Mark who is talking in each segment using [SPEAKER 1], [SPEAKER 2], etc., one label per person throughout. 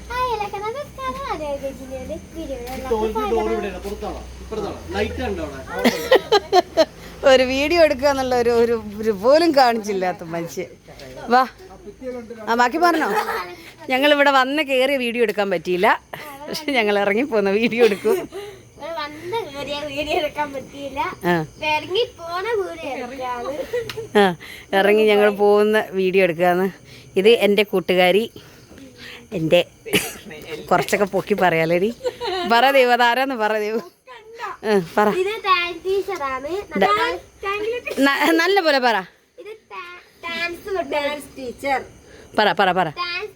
[SPEAKER 1] ഒരു വീഡിയോ എടുക്കുക എന്നുള്ള ഒരു പോലും കാണിച്ചില്ലാത്ത മനുഷ്യൻ. വാ, ബാക്കി പറഞ്ഞോ. ഞങ്ങളിവിടെ വന്ന് കയറിയ വീഡിയോ എടുക്കാൻ പറ്റിയില്ല, പക്ഷെ ഞങ്ങൾ ഇറങ്ങിപ്പോന്ന വീഡിയോ എടുക്കും. ഇറങ്ങി ഞങ്ങൾ പോകുന്ന വീഡിയോ എടുക്കാന്ന്. ഇത് എൻ്റെ കൂട്ടുകാരി, എൻ്റെ കുറച്ചൊക്കെ പൊക്കി പറയാലേടി. പറ ദേവ്, അതാരാന്ന് പറ ദേവ്. പറ, നല്ല പോലെ പറ. പറ പറ പറ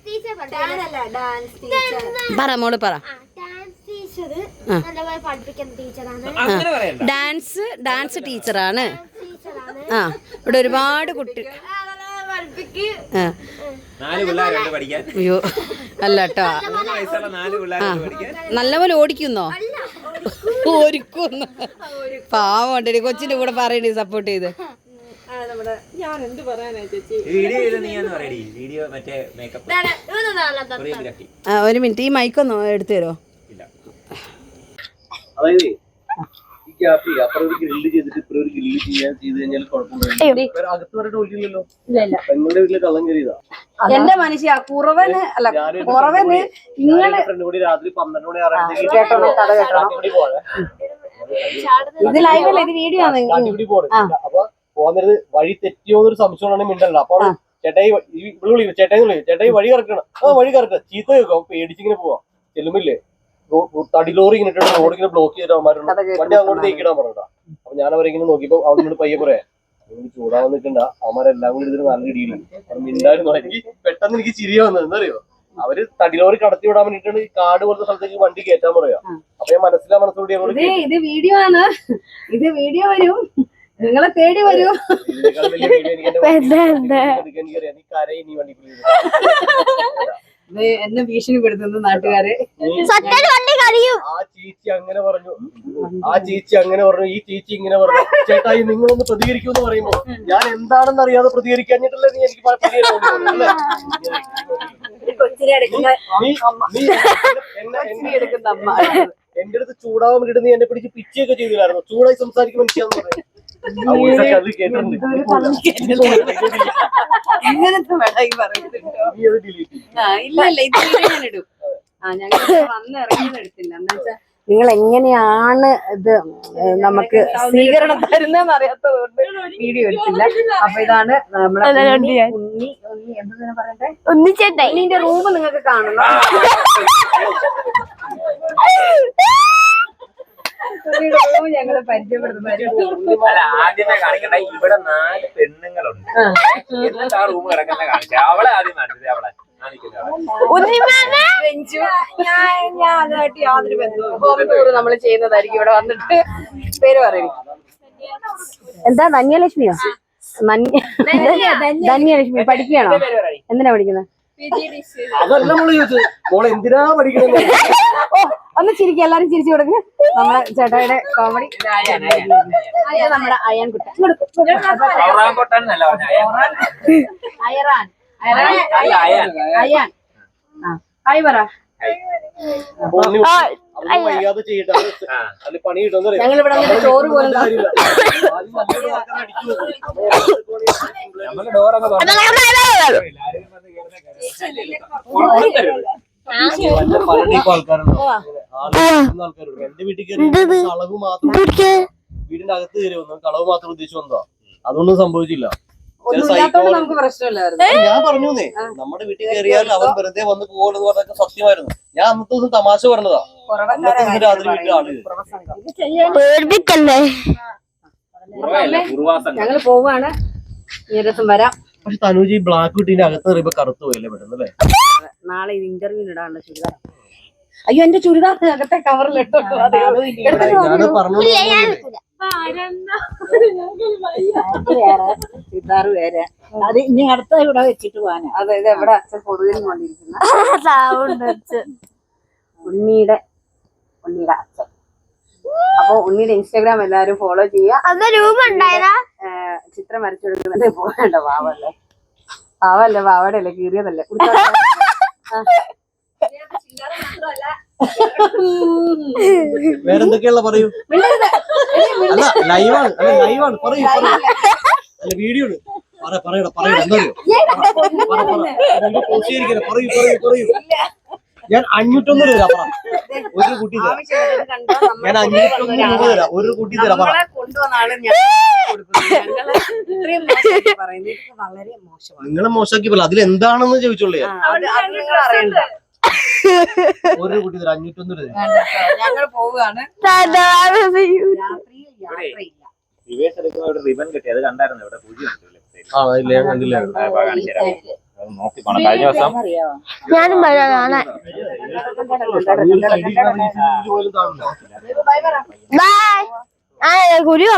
[SPEAKER 1] പറ മോള് പറ. ഡാൻസ് ടീച്ചറാണ്. ആ, ഇവിടെ ഒരുപാട് കുട്ടി. അയ്യോ അല്ല കേട്ടോ, നല്ലപോലെ ഓടിക്കുന്നോ? ഓടിക്കുന്നു. പാവണ്ടേ കൊച്ചിന്റെ കൂടെ പറയണേ, സപ്പോർട്ട് ചെയ്ത്. ഒരു മിനിറ്റ്, ഈ മൈക്കൊന്ന് എടുത്തു തരോ? എന്റെ മനുഷ്യ കുറവന് അല്ല, കുറവന് ഇങ്ങനെ ഇത് ലൈവല്ല, ഇത് വീഡിയോ ആണ്.
[SPEAKER 2] പോകുന്നത് വഴി തെറ്റിയോന്നൊരു സംശയമാണ് മിണ്ടല്ലോ. അപ്പൊ ചേട്ടായി ചേട്ടായി വഴി കറക്കണം, വഴി കറക്ക ചീത്ത കേൾക്കും. പേടിച്ചിങ്ങനെ പോവാ. ചെല്ലുമില്ലേ തടി ലോറി ഇങ്ങനെ റോഡ് ഇങ്ങനെ ബ്ലോക്ക് ചെയ്തിട്ട് അവന്മാരുണ്ട്. വണ്ടി അങ്ങോട്ട് തേക്കിടാൻ പറഞ്ഞാ. അപ്പൊ ഞാൻ അവരെങ്ങനെ നോക്കിയപ്പോ അവിടെ പയ്യെ പറയാ, ചൂടാവാൻ നിൽക്കണ്ട, അവന്മാരെല്ലാം കൂടി ഇതിന് നല്ല ഇടിയിലാണ്. മിണ്ടായിരുന്നു. എനിക്ക് പെട്ടെന്ന് എനിക്ക് ചിരിയ വന്നത് എന്തറിയോ, അവര് തടിലോറി കടത്തി വിടാൻ വേണ്ടിട്ടാണ് ഈ കാട് പോലത്തെ സ്ഥലത്തേക്ക് വണ്ടി കയറ്റാൻ പറയാ. അപ്പൊ ഞാൻ മനസ്സിലൂടെ
[SPEAKER 1] ഇത് വീഡിയോ ആണ്, ഇത് വീഡിയോ വരും, നിങ്ങളെ തേടി വരൂ. എന്നെ ഭീഷണിപ്പെടുത്തുന്നു നാട്ടുകാരെ.
[SPEAKER 2] ആ ചേച്ചി അങ്ങനെ പറഞ്ഞു, ഈ ചേച്ചി ഇങ്ങനെ പറഞ്ഞു. ചേട്ടായി നിങ്ങളൊന്ന് പ്രതികരിക്കുമെന്ന് പറയുമ്പോ ഞാൻ എന്താണെന്ന് അറിയാതെ പ്രതികരിക്കാഞ്ഞിട്ടല്ലേ നീ എനിക്ക് എന്റെ അടുത്ത് ചൂടാവാൻ വേണ്ടിട്ട് നീ എന്നെ പിടിച്ച് പിച്ചയൊക്കെ ചെയ്തില്ലായിരുന്നു. ചൂടായി സംസാരിക്കും മനുഷ്യാന്ന് പറഞ്ഞു.
[SPEAKER 1] നിങ്ങൾ എങ്ങനെയാണ് ഇത് നമുക്ക് സ്വീകരണം തരുന്നതെന്ന് അറിയാത്തതുകൊണ്ട് വീഡിയോ എടുത്തില്ല. അപ്പൊ ഇതാണ് നമ്മുടെ ഉണ്ണി എന്താ പറയട്ടെ, ഉണ്ണിന്റെ റൂം നിങ്ങൾക്ക് കാണണം. ഞങ്ങള് പരിചയപ്പെടുത്തുന്ന
[SPEAKER 3] ആദ്യമേ കാണിക്കണ്ട, ഇവിടെ 4 പെണ്ണുങ്ങളുണ്ട്. എന്നിട്ട് ആ റൂം കിടക്കുന്ന കാണിച്ച അവളെ ആദ്യം കാണിച്ചത്. അവളെ
[SPEAKER 1] ഞാൻ അതുമായിട്ട് യാതൊരു ബന്ധവും. ഹോം ടൂർ നമ്മൾ ചെയ്യുന്നതായിരിക്കും. ഇവിടെ വന്നിട്ട് പേര് പറയും. എന്താ ധന്യലക്ഷ്മിയോ? ധന്യലക്ഷ്മി പഠിക്കുകയാണോ? എന്തിനാ പഠിക്കുന്നത്? ഒന്ന് ചിരിക്കുക, എല്ലാരും ചിരിച്ചു കൊടുക്കുക. നമ്മളെ ചേട്ടായുടെ കോമഡി. നമ്മുടെ അയാൻ കുട്ടൻ. അയാൻ ഹായ് പറ. ഞങ്ങളിവിടെ ചോറ് പോലും
[SPEAKER 2] എന്റെ വീട്ടിൽ കളവ് മാത്രം, വീടിന്റെ അകത്ത് കയറി വന്നു, കളവ് മാത്രം ഉദ്ദേശിച്ചു വന്നതാ. അതൊന്നും സംഭവിച്ചില്ല. ഞാൻ പറഞ്ഞേ, നമ്മുടെ വീട്ടിൽ കയറിയാൽ അവൻ വെറുതെ വന്ന് പോകുന്നത് പറഞ്ഞൊക്കെ സത്യമായിരുന്നു. ഞാൻ അന്നത്തെ ദിവസം തമാശ പറഞ്ഞതാ. രാത്രി വീട്ടിൽ ആള്
[SPEAKER 1] ഞങ്ങള് പോവാണ്. ഈ ദിവസം വരാം.
[SPEAKER 2] പക്ഷെ തനൂജി ബ്ലാക്ക് കുട്ടീന്റെ അകത്ത് കയറിയപ്പോ കറുത്തു പോയല്ലേ പെട്ടെന്ന് അല്ലേ?
[SPEAKER 1] നാളെ ഇത് ഇന്റർവ്യൂവിന് ഇടാനുള്ള ചുരിദാർ. അയ്യോ എന്റെ ചുരിദാർ അകത്തെ കവറിലിട്ടോ. ചുരിദാർ വേറെ. അത് ഇനി അടുത്ത ഇവിടെ വെച്ചിട്ട് പോകാനാ. അതെ, ഇത് എവിടെ അച്ഛൻ പൊതുവിന് കൊണ്ടിരിക്കുന്ന ഉണ്ണിയുടെ അച്ഛൻ. അപ്പൊ ഉണ്ണിയുടെ ഇൻസ്റ്റാഗ്രാം എല്ലാരും ഫോളോ ചെയ്യാ. ചിത്രം വരച്ചു കൊടുക്കുന്നത് പോകണ്ട. പാവല്ലേ പാവയുടെ അല്ലേ, കീറിയതല്ലേ.
[SPEAKER 2] വേറെന്തൊക്കെയുള്ള പറയൂ. അല്ല ലൈവാണ്, പറയൂ. അല്ല വീഡിയോ പറയടാ എന്താ പറയൂ. ഞാൻ 501 രൂപ തരാം. ഒരു കുട്ടി തരാം. ഞാൻ 501 രൂപ തരാം. ഒരു കുട്ടി തരാം. പറ. നിങ്ങളെ മോശമാക്കി പോലെ അതിലെന്താണെന്ന് ചോദിച്ചോളൂ. ഒരു കുട്ടി തരാം. 501 രൂപ.
[SPEAKER 1] ഞങ്ങൾ പോവുകയാണ്.
[SPEAKER 3] റിവേഴ്സ് എടുക്കുമ്പോ ഇവിടെ റിബൺ കിട്ടി, അത് കണ്ടായിരുന്നു. ഇവിടെ പൂജ്യം
[SPEAKER 2] ഇല്ല ഞാൻ കണ്ടില്ല.
[SPEAKER 3] നോക്കി പോണം. കഴിഞ്ഞ ദിവസം
[SPEAKER 4] ഞാനും പറയാനാണ്. ബൈ. ആ കുരു